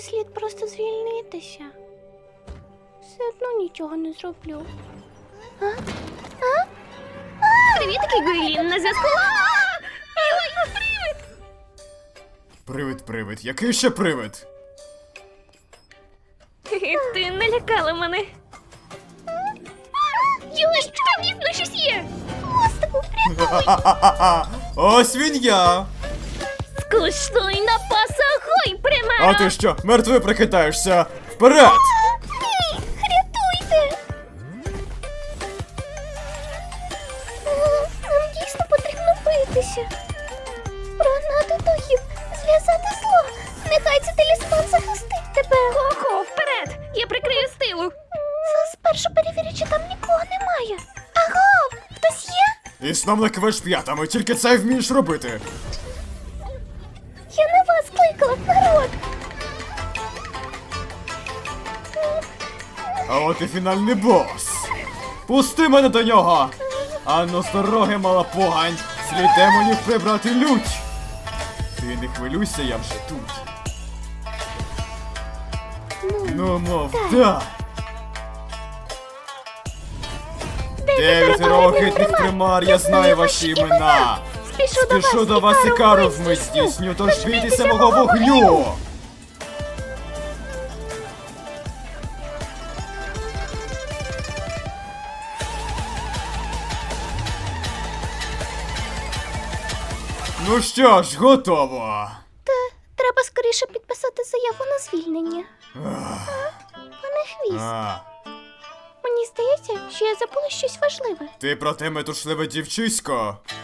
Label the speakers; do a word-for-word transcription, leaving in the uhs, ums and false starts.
Speaker 1: слід просто звільнитися. Все одно нічого не зроблю. А? А?
Speaker 2: Привітки, Гуйлін, на зв'язку. Ой, привид!
Speaker 3: Привид, привид. Який ще привид?
Speaker 2: Ти налякала мене. Йой, там дійсно щось є.
Speaker 1: Мостику,
Speaker 3: Ха-ха-ха-ха! Ось він я!
Speaker 2: Скуштуй на пасагой,
Speaker 3: А
Speaker 2: примара.
Speaker 3: ти що, мертвий прикидаєшся? Вперед!
Speaker 1: ні, рятуйте! О, нам дійсно потрібно битися. Прогнати духів, зв'язати зло. Нехай цей талісман захистить тебе.
Speaker 2: Ого, вперед! Я прикрию з тилу.
Speaker 1: Спершу перевірю, чи там нікого немає. Аго, хтось є?
Speaker 3: І сном не кивиш п'ятами, тільки це й вмієш робити.
Speaker 1: Я на вас кликала, народ.
Speaker 3: А от і фінальний бос. Пусти мене до нього! Анно з дороги, мала погань! Слід демонів прибрати лють! Ти не хвилюйся, я вже тут. Ну, мов, так. Дев'ять рогитних примар, я знаю ваші імена.
Speaker 1: Спішу,
Speaker 3: Спішу до вас і кару вмить здійсню, тож бійтеся мого вогню! Ну що ж, готово.
Speaker 1: Та треба скоріше підписати заяву на звільнення. А? Пане Хвіст,
Speaker 3: А,
Speaker 1: мені здається, що я забула щось важливе.
Speaker 3: ти про те метушливе дівчисько?